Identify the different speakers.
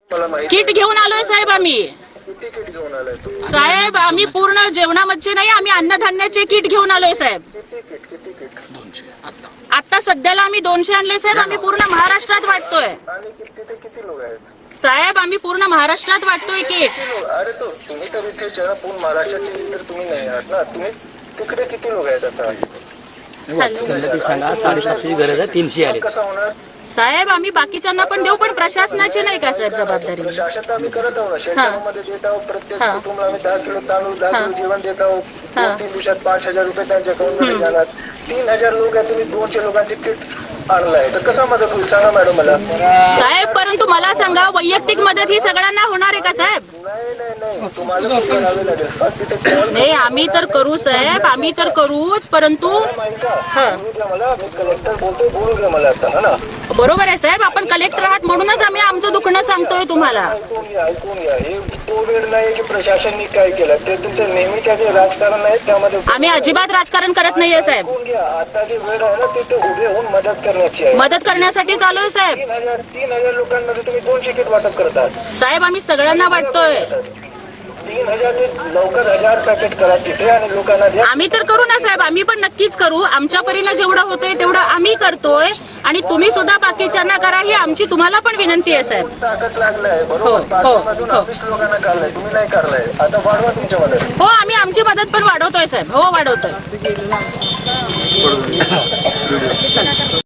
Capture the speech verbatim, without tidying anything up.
Speaker 1: Kit घेऊन आलोय साहेब आम्ही.
Speaker 2: किती किट घेऊन आलाय तू?
Speaker 1: साहेब आम्ही पूर्ण जेवणामध्ये नाही, आम्ही अन्नधान्याचे किट घेऊन आलोय साहेब.
Speaker 2: किती किट किती किट?
Speaker 1: आता सध्याला आम्ही दोनशे आणले साहेब. आम्ही पूर्ण महाराष्ट्रात वाटतोय.
Speaker 2: आणि किती ते किती लोक आहेत
Speaker 1: साहेब? आम्ही पूर्ण महाराष्ट्रात वाटतोय किट.
Speaker 2: किती लोक? अरे तो तुम्ही तर इथे जरा पूर्ण महाराष्ट्राचे तर तुम्ही नाही आहात ना. तुम्ही तिकडे किती लोक आहेत आता?
Speaker 3: सांगा साडेसातशे गरज आहे, तीनशे आले.
Speaker 2: कसं होणार
Speaker 1: साहेब? आम्ही बाकीच्यांना पण देऊ, पण प्रशासनाची नाही का साहेब जबाबदारी?
Speaker 2: प्रशासन तर आम्ही करत आहोत ना. शेतकऱ्यांमध्ये देत आहोत. प्रत्येक
Speaker 1: हा.
Speaker 2: कुटुंबाला आम्ही दहा किलो तांदूळ दहा
Speaker 1: हा.
Speaker 2: किलो जेवण देत आहोत.
Speaker 1: हा.
Speaker 2: दोन तीन दिवसात पाच हजार रुपये त्यांच्या अकाउंट मध्ये जाणार. तीन हजार लोक आहेत, तुम्ही दोनशे लोकांचे किट आणलाय तर कसा मदत होईल सांगा मॅडम मला.
Speaker 1: साहेब परंतु मला सांगा, वैयक्तिक मदत ही सगळ्यांना होणार आहे का साहेब?
Speaker 2: नाही नाही नाही तुम्हाला पण करावे लागेल. फक्त तिथे call
Speaker 1: नाही आम्ही तर करू साहेब, आम्ही तर करूच, परंतु
Speaker 2: मॅडम ऐका, बोलू द्या मला. मी कलेक्टर बोलतोय, बोलू द्या मला आता. हा ना,
Speaker 1: बरोबर आहे साहेब, आपण कलेक्टर आहात म्हणूनच आम्ही आमचं दुखणं सांगतोय तुम्हाला.
Speaker 2: ऐकून घ्या ऐकून घ्या. हे तो वेळ नाही की प्रशासनने काय केलं. ते तुमचं नेहमीच्या जे राजकारण आहे त्यामध्ये
Speaker 1: आम्ही अजिबात राजकारण करत नाहीये साहेब.
Speaker 2: ऐकून घ्या. आता जे वेळ आहे ना ते ते उभे होऊन मदत करण्याची आहे.
Speaker 1: मदत करण्यासाठी चालू आहे साहेब.
Speaker 2: तीन हजार तीन हजार लोकांमध्ये तुम्ही दोनशे किट वाटप करतात.
Speaker 1: साहेब आम्ही सगळ्यांना वाटतोय.
Speaker 2: तीन हजार ते लवकर हजार पॅकेट करा तिथे आणि लोकांना द्या.
Speaker 1: आम्ही तर करू ना साहेब, आम्ही पण नक्कीच करू. आमच्या परीनं जेवढं होतंय तेवढं आम्ही करतोय आणि तुम्ही सुद्धा बाकीच्यांना करा, ही आमची तुम्हाला पण विनंती आहे साहेब.
Speaker 2: ताकद लागलाय
Speaker 1: हो,
Speaker 2: बरोबर.
Speaker 1: हो,
Speaker 2: पाठीमधून
Speaker 1: हो.
Speaker 2: ऑफिस लोकांना काढलाय, तुम्ही नाही काढलाय. आता वाढवा तुमच्या मदत.
Speaker 1: हो आम्ही आमची मदत पण वाढवतोय साहेब. हो वाढवतोय.